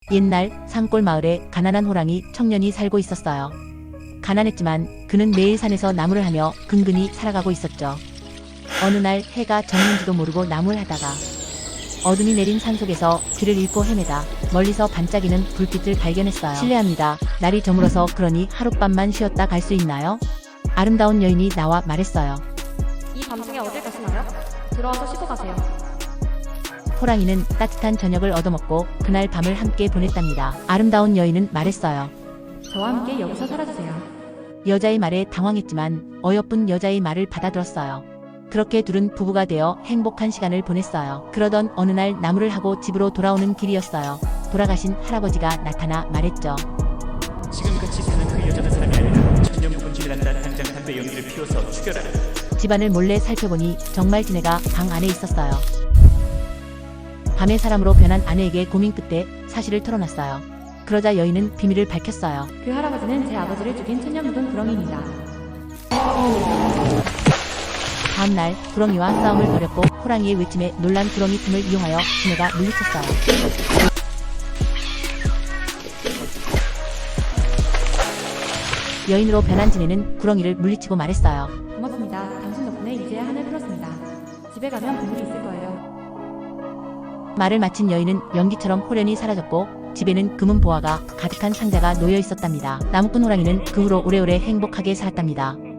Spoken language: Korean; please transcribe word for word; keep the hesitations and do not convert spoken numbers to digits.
옛날 산골 마을에 가난한 호랑이 청년이 살고 있었어요. 가난했지만 그는 매일 산에서 나무를 하며 근근히 살아가고 있었죠. 어느 날 해가 졌는지도 모르고 나무를 하다가 어둠이 내린 산속에서 길을 잃고 헤매다 멀리서 반짝이는 불빛을 발견했어요. 실례합니다. 날이 저물어서 그러니 하룻밤만 쉬었다 갈 수 있나요? 아름다운 여인이 나와 말했어요. 이 밤중에 어딜 가시나요? 들어와서 쉬고 가세요. 호랑이는 따뜻한 저녁을 얻어먹고 그날 밤을 함께 보냈답니다. 아름다운 여인은 말했어요. 저와 함께 여기서 살아주세요. 여자의 말에 당황했지만 어여쁜 여자의 말을 받아들었어요. 그렇게 둘은 부부가 되어 행복한 시간을 보냈어요. 그러던 어느 날 나무를 하고 집으로 돌아오는 길이었어요. 돌아가신 할아버지가 나타나 말했죠. 지금같이 사는 그 여자는 사람이 아니라 천년 묵은지를 한다. 당장 담배 연기를 피워서 죽여라. 집안을 몰래 살펴보니 정말 지네가 방 안에 있었어요. 밤에 사람으로 변한 아내에게 고민 끝에 사실을 털어놨어요. 그러자 여인은 비밀을 밝혔어요. 그 할아버지는 제 아버지를 죽인 천년 묵은 구렁이입니다. 다음날 구렁이와 싸움을 벌였고 호랑이의 외침에 놀란 구렁이 틈을 이용하여 지네가 물리쳤어요. 여인으로 변한 지네는 구렁이를 물리치고 말했어요. 고맙습니다. 당신 덕분에 이제야 하늘 풀었습니다. 집에 가면 보물이 있을 거예요. 말을 마친 여인은 연기처럼 호련히 사라졌고 집에는 금은 보화가 가득한 상자가 놓여 있었답니다. 나무꾼 호랑이는 그 후로 오래오래 행복하게 살았답니다.